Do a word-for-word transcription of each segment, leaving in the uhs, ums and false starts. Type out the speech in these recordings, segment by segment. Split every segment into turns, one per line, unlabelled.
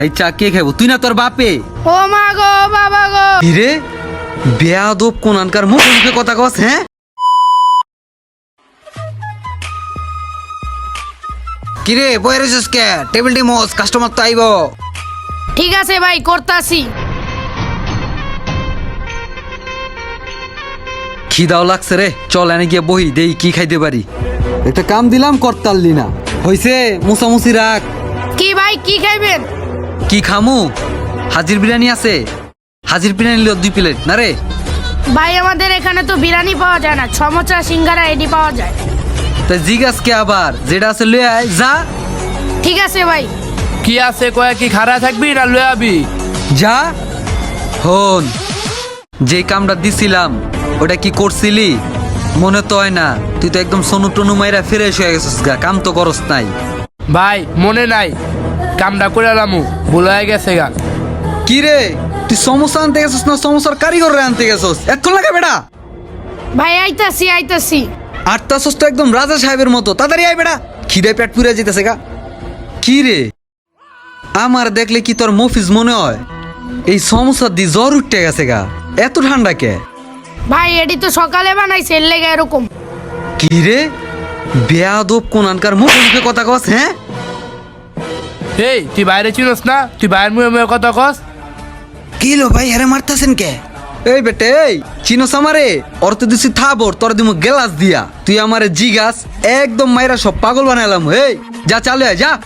এই চা কে খাবো? তুই না তোর বাপে?
ও মা গো বাবা গো।
কিরে বেয়াদব কোনানকার মুখে মুখে কথা কস? হ্যাঁ কিরে বইরে কে টেবিল টি মোস কাস্টমার তো আইবো।
ঠিক আছে ভাই করতাছি।
খিদাও লাগছে রে, চল এনে গিয়ে বহি দেই কি খাইতে পারি। একটা কাম দিলাম করতাললি না, হইছে মুসামুসি রাখ।
কি ভাই কি খাইবেন?
কি খামু? হাজির বিরিয়ানি আছে, হাজির বিরিয়ানি লিও দুই প্লেট না রে।
ভাই আমাদের এখানে তো বিরিয়ানি পাওয়া যায় না, সমোসা সিঙ্গারা এডি পাওয়া যায়।
তা জিগাস কে আবার, যেটা আছে লয়ে আয় যা।
ঠিক আছে ভাই।
কি আছে কয়ে কি খারা থাকবি না লয়ে আবি?
যা। হন যে কামটা দিছিলাম ওটা কি করছিলি? মনে তো হয় না, তুই তো একদম সোনু টনু মাইরা ফ্রেশ হয়ে গেছিস গা, কাম তো করস নাই।
ভাই মনে নাই, কামটা করে লামু ভুল হয়ে গেছে গা।
কি রে তুই সমস্যা আনতে গেছিস না সমস্যার কারিগর আনতে গেছিস? এক্ষণ লাগে বেটা।
ভাই আইতাছি আইতাছি।
আটটাছস তো একদম রাজা সাহেবের মতো, তাড়াতাড়ি আয় বেটা, খিদে পেট পুড়ে যেতেছে গা। কি রে আমার দেখলে কি তোর মফিজ মনে হয়? এই সমস্যা দি জ্বর উঠতে গেছে গা, এত ঠান্ডা কে?
ভাই এডি তো সকালে বানাইছে এর লেগে এরকম।
কি রে বেয়াদব কোনানকার মুখে মুখে কথা কস? হ্যাঁ
এই তুই বাইরে চিনস না, তুই বাইরের মুখে মুখে কথা কস।
কি লো ভাই হারে মারতাছেন কে? এই বেটে এই চিনোস আমারে? ওর তো দিছি থাবর, তোর দিমু গেলাস দিয়া, তুই আমারে জিগাস একদম মাইরা সব পাগল বানাইলাম। এই যা চালু আয় যা।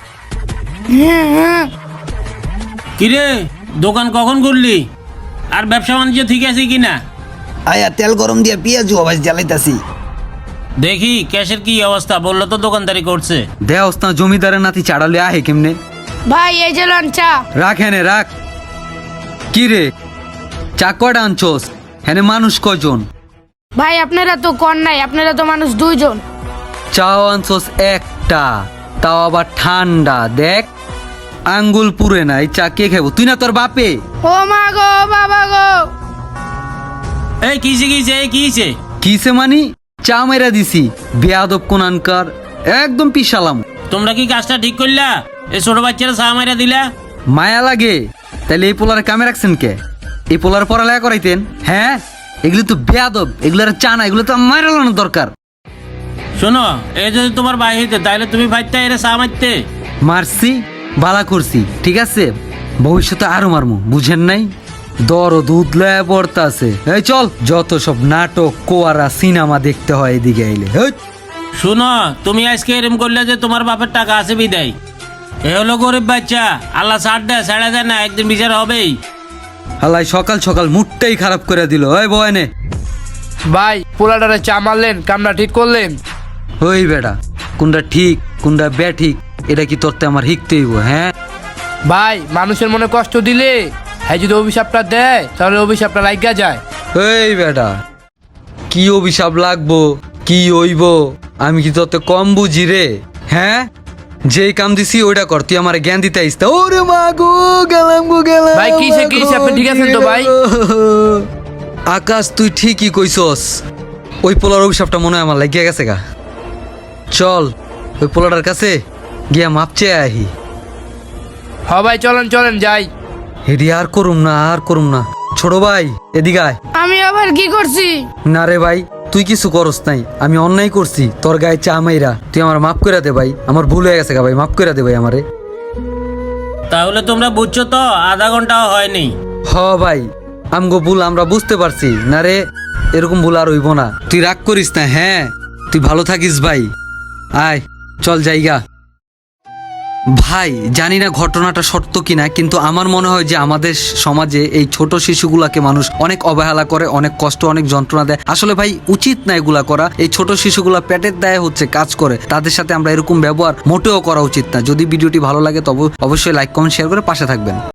কিরে দোকান কখন করলি? আর ব্যবসা বাণিজ্য ঠিক আছে কিনা?
আয়া তেল গরম দিয়া পেঁয়াজ আবাস জ্বালাইতাছি।
দেখি ক্যাশের কি অবস্থা, বললো তো দোকানদারি করছে।
দেওস না জমিদারের নাতি চাড়ালে আহে কেমনে?
ভাই এই যে লন চা।
রাখ হেনে রাখ। কি রে চা কয়টা আনছোস? হেনে মানুষ কয়জন?
ভাই আপনারা তো কর নাই, আপনারা তো মানুষ দুইজন।
চাও আনছোস একটা, তাও আবার ঠান্ডা। দেখ আঙ্গুল পুরে না, এই চা কে খাবো? তুই না তোর বাপে?
ও মা গো বাবা গো।
এই কিসে কিসে এই কিসে?
কিসে মানি? চা মেরা দিছি বেয়াদব কোনানকার, একদম পিছালাম।
তোমরা কি কাজটা ঠিক করলা? এই ছোট বাচ্চারা চা মাইরা দিলা।
মায়া লাগে তাহলে এই পোলারে কামে রাখছেন কে? এই পোলার পড়ালেখা করাইতেন? হ্যাঁ এগুলো তো বেয়াদব, এগুলোর চা না, এগুলো তো মাইরালানো দরকার।
শোনো এই যদি তোমার ভাই হইতে তাহলে তুমি ভাইতে এরে চা মারতে।
মারছি বালা করছি ঠিক আছে, ভবিষ্যতে আরো মারমু, বুঝেন নাই? দর দুধ লয়া পড়তা আছে। এই চল, যত সব নাটক কোয়ারা সিনেমা দেখতে হয় এদিকে আইলে।
শোনো তুমি আজকে এরম করলে যে তোমার বাপের টাকা আছে বিদায়। এ হলো গরিব বাচ্চা, আল্লাহ ছাড় দেয় ছেড়ে দেয় না, একদিন বিচার হবেই।
হালাই সকাল সকাল মুডটাই খারাপ করে দিল। ওই বয়নে
ভাই পোলাটারে চা মারলেন, কামটা ঠিক করলেন।
ওই বেটা কোনটা ঠিক কোনটা বে ঠিক এটা কি তোরতে আমার শিখতে হইব? হ্যাঁ
ভাই মানুষের মনে কষ্ট দিলে হ্যাঁ যদি অভিশাপটা দেয় তাহলে অভিশাপটা লাগিয়া যায়।
এই বেটা কি অভিশাপ লাগবো কি হইব আমি কি তোতে কম বুঝি রে? হ্যাঁ যেই কাম দিছি ওইটা কর, তুই আমার জ্ঞান দিতে আইস। ওরে মা গো গেলাম গো গেলাম।
ভাই কিসে কিসে আপনি ঠিক আছেন তো ভাই?
আকাশ তুই ঠিকই কইছস, ওই পোলার অভিশাপটা মনে হয় আমার লাগিয়া গেছে গা। চল ওই পোলাটার কাছে গিয়া মাপ চেয়ে আহি।
হ ভাই চলেন চলেন যাই।
হেডি আর করুম না আর করুম না। ছোট ভাই এদিকে আয়।
আমি আবার কি করছি?
না রে ভাই তুই কিছু করস নাই, আমি অন্যায় করছি তোর গায়ে চা মাইরা, তুই আমার মাফ করে দে ভাই, আমার ভুল হয়ে গেছে গা ভাই, মাফ করে দে ভাই আমারে।
তাহলে তোমরা বুঝছো তো আধা ঘন্টাও হয়নি।
হ ভাই আমগো ভুল আমরা বুঝতে পারছি না রে, এরকম ভুল আর হইব না। তুই রাগ করিস না। হ্যাঁ তুই ভালো থাকিস ভাই, আয় চল জায়গা। ভাই জানি না ঘটনাটা সত্য কিনা, কিন্তু আমার মনে হয় যে আমাদের সমাজে এই ছোট শিশুগুলাকে মানুষ অনেক অবহেলা করে, অনেক কষ্ট অনেক যন্ত্রণা দেয়। আসলে ভাই উচিত না এগুলা করা। এই ছোট শিশুগুলা পেটের দায়ে হচ্ছে কাজ করে, তাদের সাথে আমরা এরকম ব্যবহার মোটেও করা উচিত না। যদি ভিডিওটি ভালো লাগে তবে অবশ্যই লাইক কমেন্ট শেয়ার করে পাশে থাকবেন।